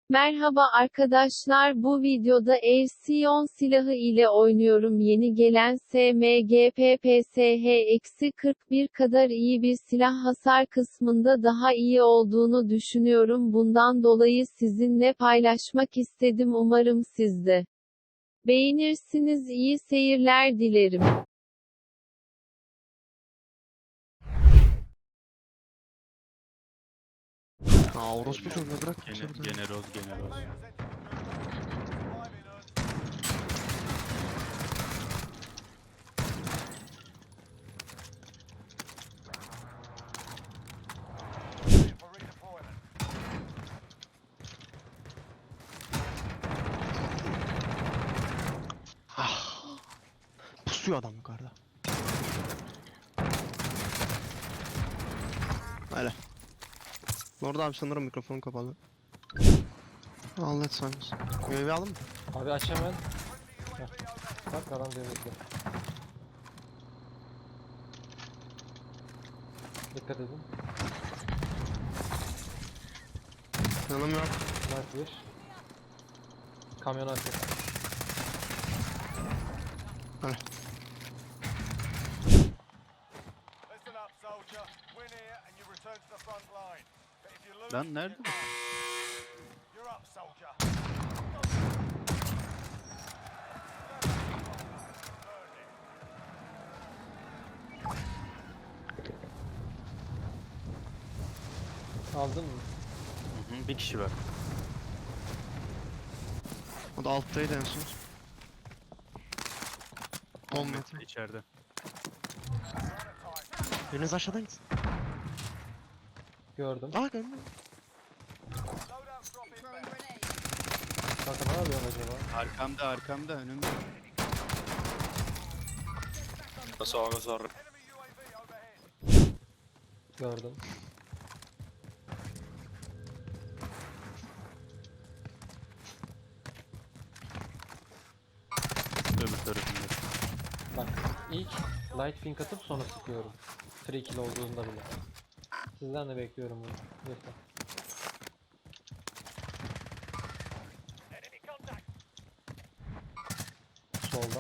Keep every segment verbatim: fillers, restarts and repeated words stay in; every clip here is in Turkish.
Merhaba arkadaşlar, bu videoda Elsion silahı ile oynuyorum. Yeni gelen S M G P P S H kırk bir kadar iyi bir silah, hasar kısmında daha iyi olduğunu düşünüyorum. Bundan dolayı sizinle paylaşmak istedim. Umarım siz de beğenirsiniz. İyi seyirler dilerim. Aa orospu çocuğu bırak. Gene, Gene, generoz generoz. Ah. Pusuyor adam yukarıda. Öyle. Orada abi sanırım mikrofon kapalı. Allah etsinler. Üyevi aldın mı? Abi aç hemen. Heh. Bak adam denizde. Dikkat edin. Yanım yok. Mark bir. Kamyon arkası. Öyle. Listen up, soldier. Win here and you return to the front line. But if you lose, Lan nerede bu? you're up, soldier. Aldın mı? Hı hı, bir kişi var. O da alttaydı en son. on on metre. metre içeride. Biriniz aşağıdan gitsin. Gördüm. Aa gördüm. Loadout drop inbound. Kanka ne yapıyorsun acaba? Arkamda arkamda önümde. Enemy U A V overhead. Gördüm. Öbür tarafında. Bak ilk light pink atıp sonra sıkıyorum. Free kill olduğunda bile. Sizden de bekliyorum bunu. Lütfen. Solda.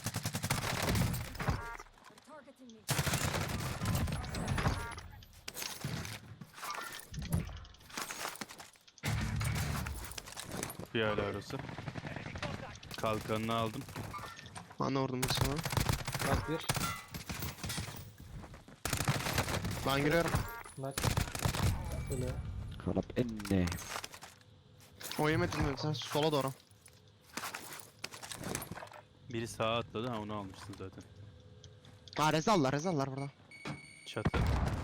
Bir hala arası. Kalkanını aldım. Ben de vurdum bir sana. Mark bir. Ben giriyorum. Mark. Böyle. Kalap enne. O yemedin mi sen? Sola doğru. Biri sağa atladı, ha onu almışsın zaten. Aa rezallar rezallar burada. Çatı.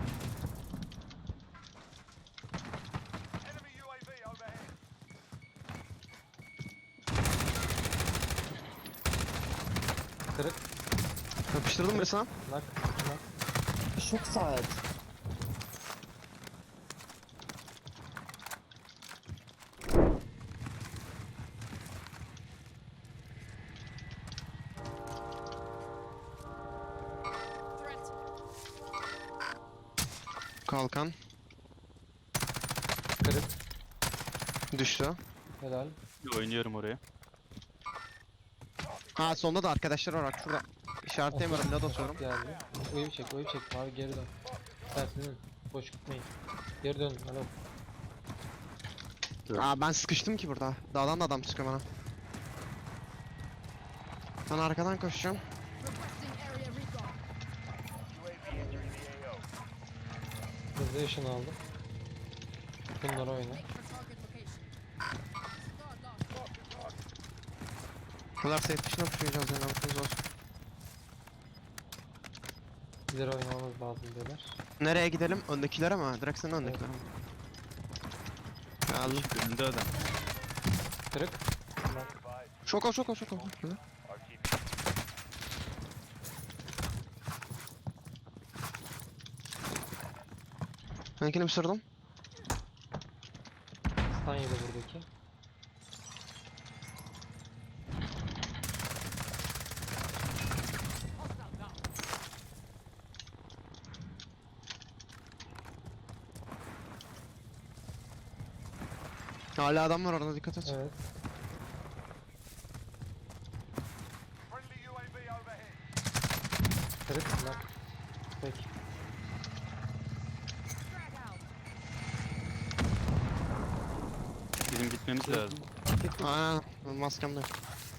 Enemy U A V overhead. Kırık. Yapıştırdım bir sana. Mark. Mark. Çok saat. Kalkan. Kırık. Düştü. Helal. Oynuyorum oraya. Ha sonunda da arkadaşlar var bak şurada. İşaretleyemiyorum ne atıyorum. Geldi. Oyu çek, oyu çek. Abi geri dön. Tersinin. Boş gitmeyin. Geri dön. Alo. Aa ben sıkıştım ki burada. Dağdan da adam çıkıyor bana. Ben arkadan koşacağım. U A V entering the A O. Hızlı yaşını aldım. Bunları oyna. Bunlar safe dışına puşlayacağız yani aklınız olsun. İleri oynamamız lazım beyler. Nereye gidelim? Öndekilere mi? Direkt senin öndekilere mi? Geldim. Önünde adam. Kırık. Şok ol şok ol şok ol. Şöyle. Benkini ısırdım. Stun yedi buradaki. Hala adam var orada, dikkat et. Evet. Friendly U A V overhead. Kırık lan. Peki. Bizim gitmemiz lazım. Git. Aynen, maskem de yok.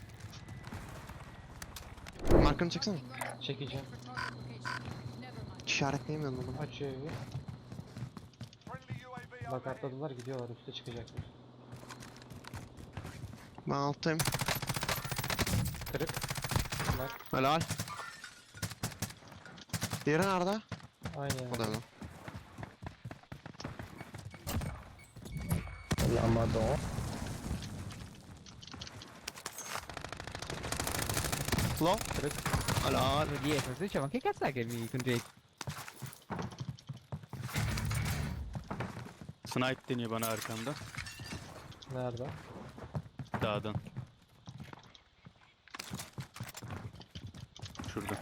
Markanı çeksene. Çekeceğim. İşaretleyemiyorum bunu. Açıyor evi. Friendly U A V Bak overhead. atladılar gidiyorlar üste çıkacaklar. Ben alttayım. Kırık. Bak Helal. Diğeri nerede? aynı O da yani. öyle. Low. Kırık. Helal. dietro, se diceva, ma che cazzo è che mi con Snipe deniyor bana arkamda. Nerede? Dağdan. Şurada.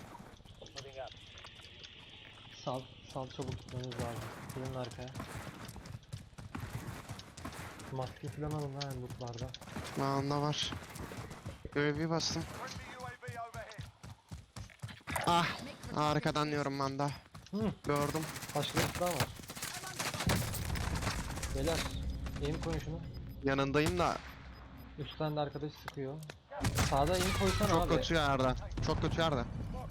Sal. Sal çabuk gitmemiz lazım. Gelin arkaya. Maske falan alın ha lootlarda. Bende var. Böyle bir bastım. Friendly U A V overhead. Ah. Arkadan diyorum ben de. Hı. Gördüm. Başka bir daha var. Beyler. Aim koyun şunu. Yanındayım da Üstten de arkadaş sıkıyor. Sağda aim koysana çok abi. kötü yerde. Çok kötü yerde.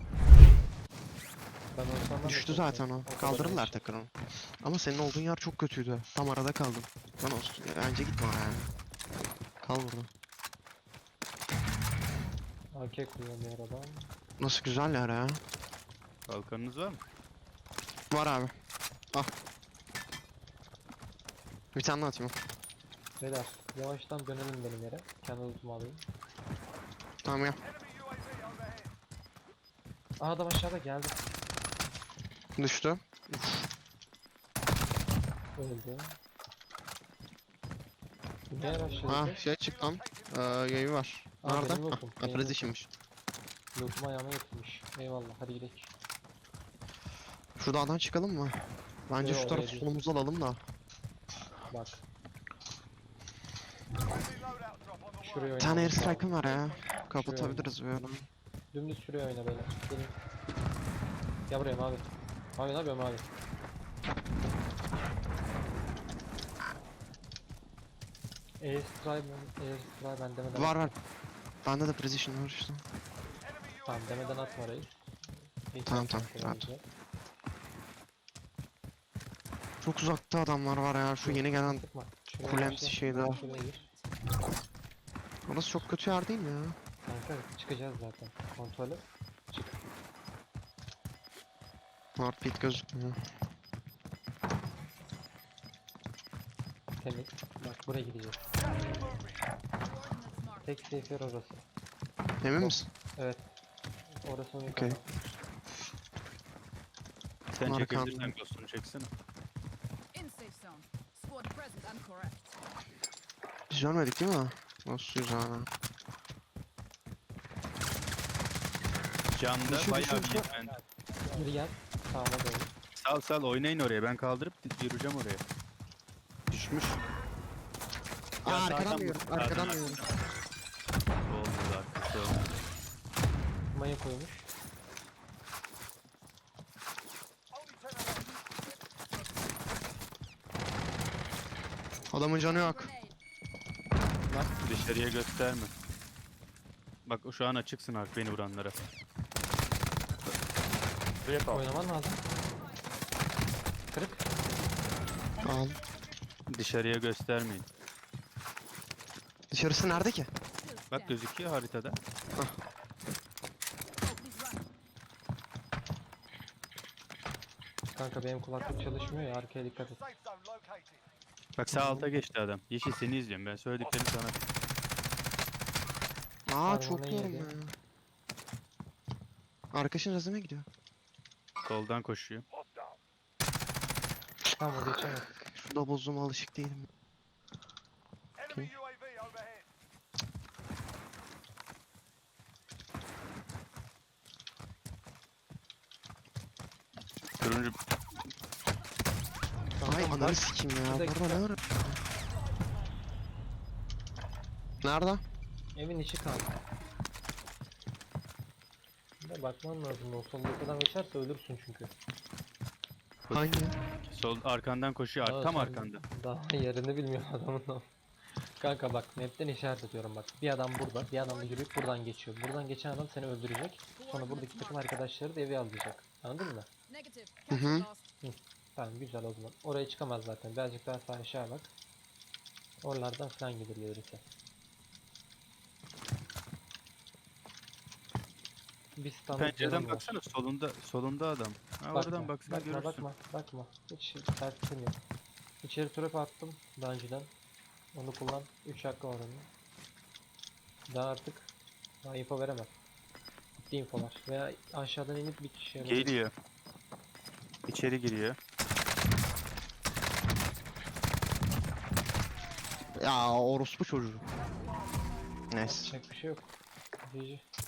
Ben olsam ben de Düştü koysam. zaten o. kadar Kaldırırlar olmuş. tekrar onu. Ama senin olduğun yer çok kötüydü. Tam arada kaldım. Lan olsun. Bence gitme oraya yani. Kal burada. A K kuruyor bir aradan. Nasıl güzel yer ya. Kalkanınız var mı? Var abi. Al. Bir tane daha atayım. Beyler yavaştan dönelim benim yere. Kendi lootumu alayım. Tamam ya. Enemy U A V overhead. Aa adam aşağıda geldi. Düştü. Öldü. Ne Ha araştırdı? şey çıktı lan. Ee, yayı var. Aa, Nerede? benim lootum, Ah, benim Precision'mış. Lootumu ayağıma getirmiş. Eyvallah hadi gidelim. Şuradan çıkalım mı? Bence Yo, şu tarafı oraya değil. solumuzu alalım da. Bak Friendly loadout drop on the way. şuraya Bir tane oynamamız lazım. airstrike'ım var ya. Kapatabiliriz bir adam. Dümdüz şuraya oyna beyler. Gelin. Gel buraya mavi. Mavi ne yapıyor mavi? Airstrike mi? Airstrike ben demeden Var var. Bende de precision var işte. Enemy U A Tamam V demeden overhead. atma orayı. İyi, Tamam, tamam, tamam, rahat. güzel. Çok uzakta adamlar var ya. Şu yeni gelen Sıkma. Şuraya Kulemsi başla. şeyde. Şuraya gir. Orası çok kötü yer değil mi ya? Kanka çıkacağız zaten. Kontrol et. Çık. North pit gözükmüyor. Temiz. Bak buraya gideceğiz. Tek safe yer orası. Emin misin? Evet. Orası onu Okey. Sen Arkamda. çekebilirsen ghost'unu çeksene. In safe zone. Squad present and correct. Biz görmedik değil mi? Nasıl güzel ha. Camda Düşün, bayağı düşün, bir düşün. ben. Geri gel. Sağına doğru. Sal sal oynayın oraya. Ben kaldırıp di- yürüyeceğim oraya. Düşmüş. Ya Aa arkadan sağdan da yiyorum. vur, sağdan, Arkadan da yiyorum. arkadan. Oldu arkası oldu. Maya koymuş. Only ten of them. Adamın canı yok. Grenade. Dışarıya gösterme. Bak o şu an açıksın Ark beni vuranlara. Oynaman lazım. Kırık. Al. Dışarıya göstermeyin. Dışarısı nerede ki? Bak gözüküyor haritada. Oh, please run. Kanka benim kulaklık çalışmıyor ya arkaya dikkat et. Safe zone located. Bak sağ alta geçti adam. Yeşil seni izliyorum ben söylediklerimi sana. Aa Harmanı çok yorum yedi. ya. Arkadaşın razına gidiyor. Soldan koşuyor. Tamam orada geçemez. Şurada bozduğuma alışık değilim. Enemy U A V overhead. Turuncu Ay Tamam, ananı bak. sikeyim ya. Bir dakika. Burada ne var? Nerede? Evin içi kanka. Bir de bakman lazım, o soldaki geçerse ölürsün çünkü. Hangi? Sol arkandan koşuyor. Aa, Tam sen arkanda. Daha yerini bilmiyor adamın o. Kanka bak, map'ten işaret ediyorum bak. Bir adam burada, bir adam da yürüyüp buradan geçiyor. Buradan geçen adam seni öldürecek. Sonra buradaki takım arkadaşları da evi alacak. Anladın mı? Negative. Hı hı. Lost. Tamam, güzel o zaman. Oraya çıkamaz zaten. Birazcık daha sağ aşağı bak. Oralardan falan gidiyor öyleyse. Bir standart Pencereden yerim var. baksana, solunda solunda adam. Ha, Bakma, oradan baksana bakma, görürsün. bakma, bakma. Hiç tersim yok. İçeri trap attım daha önceden. Onu kullan. üç hakkı var onun. Daha artık daha info veremem. Bitti infolar. Veya aşağıdan inip bir kişiye vurayım. Geliyor. İçeri giriyor. Ya orospu çocuğu. Neyse. Yapacak bir şey yok. G G.